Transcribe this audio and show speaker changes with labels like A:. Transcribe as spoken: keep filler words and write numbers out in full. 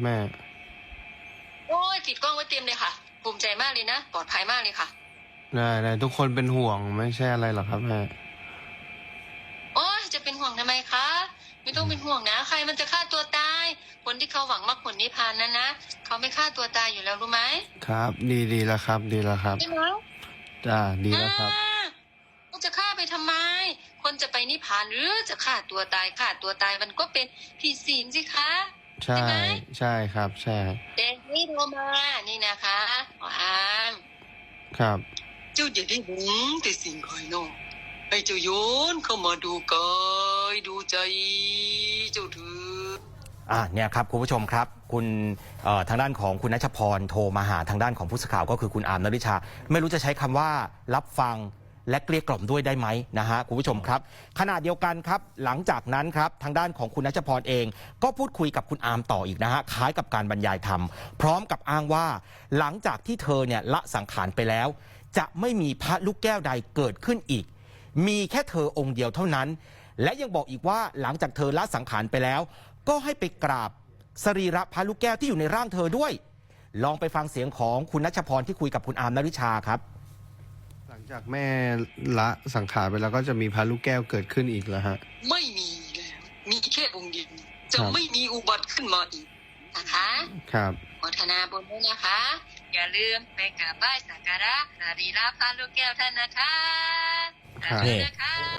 A: แม่
B: โอ้ยติดกล้องไว้เต็มเลยค่ะภูมิใจมากเลยนะปลอดภัยมากเลยค่ะ
A: ได้ได้ทุกคนเป็นห่วงไม่ใช่อะไรหรอกครับแม่
B: โอ้ยจะเป็นห่วงทำไมคะไม่ต้องเป็นห่วงนะใครมันจะฆ่าตัวตายคนที่เขาหวังมรรคผลนิพพานนั้นนะเขาไม่ฆ่าตัวตายอยู่แล้วรู้ไหม
A: ครับ ดีดีแล้วครับ ดีแล้วครับ
B: ใช่ไหม
A: จ้าดีแล้วครับ
B: เขาจะฆ่าไปทำไมคนจะไปนิพพานหรือจะฆ่าตัวตายฆ่าตัวตายมันก็เป็นผิดศีลสิคะ
A: ใช่ใช่ครับใช่
B: เด็กนี่โทรมานี่นะคะอาม
A: ครับ
B: เจ้าอย่าได้หวงแต่สิ่งภายนอกให้เจ้าโยนเข้ามาดูกายดูใจเจ้าเถือ
C: อ่าเนี่ยครับคุณผู้ชมครับคุณทางด้านของคุณณัชพรโทรมาหาทางด้านของผู้สื่อข่าวก็คือคุณอาร์มนฤชาไม่รู้จะใช้คำว่ารับฟังและเกลี้ยกล่อมด้วยได้ไหมนะฮะคุณผู้ชมครับขณะเดียวกันครับหลังจากนั้นครับทางด้านของคุณณัชพรเองก็พูดคุยกับคุณอาร์มต่ออีกนะฮะคล้ายกับการบรรยายธรรมพร้อมกับอ้างว่าหลังจากที่เธอเนี่ยละสังขารไปแล้วจะไม่มีพระลูกแก้วใดเกิดขึ้นอีกมีแค่เธอองค์เดียวเท่านั้นและยังบอกอีกว่าหลังจากเธอละสังขารไปแล้วก็ให้ไปกราบสรีระพระลูกแก้วที่อยู่ในร่างเธอด้วยลองไปฟังเสียงของคุณณัชพรที่คุยกับคุณอาร์มนฤชาครับ
A: หลังจากแม่ละสังขารไปแล้วก็จะมีพระลูกแก้วเกิดขึ้นอีกแล้วฮะ
B: ไม่มีแล้วมีแค่องค์เดียวจะไม่มีอุบัติขึ้นมาอีกนะคะ
A: ครับ
B: โมทนาบุญด้วยนะคะอย่าลืมไปกราบไหว้สักการะสรีระพระลูกแก้วท่านนะคะ
A: ครับ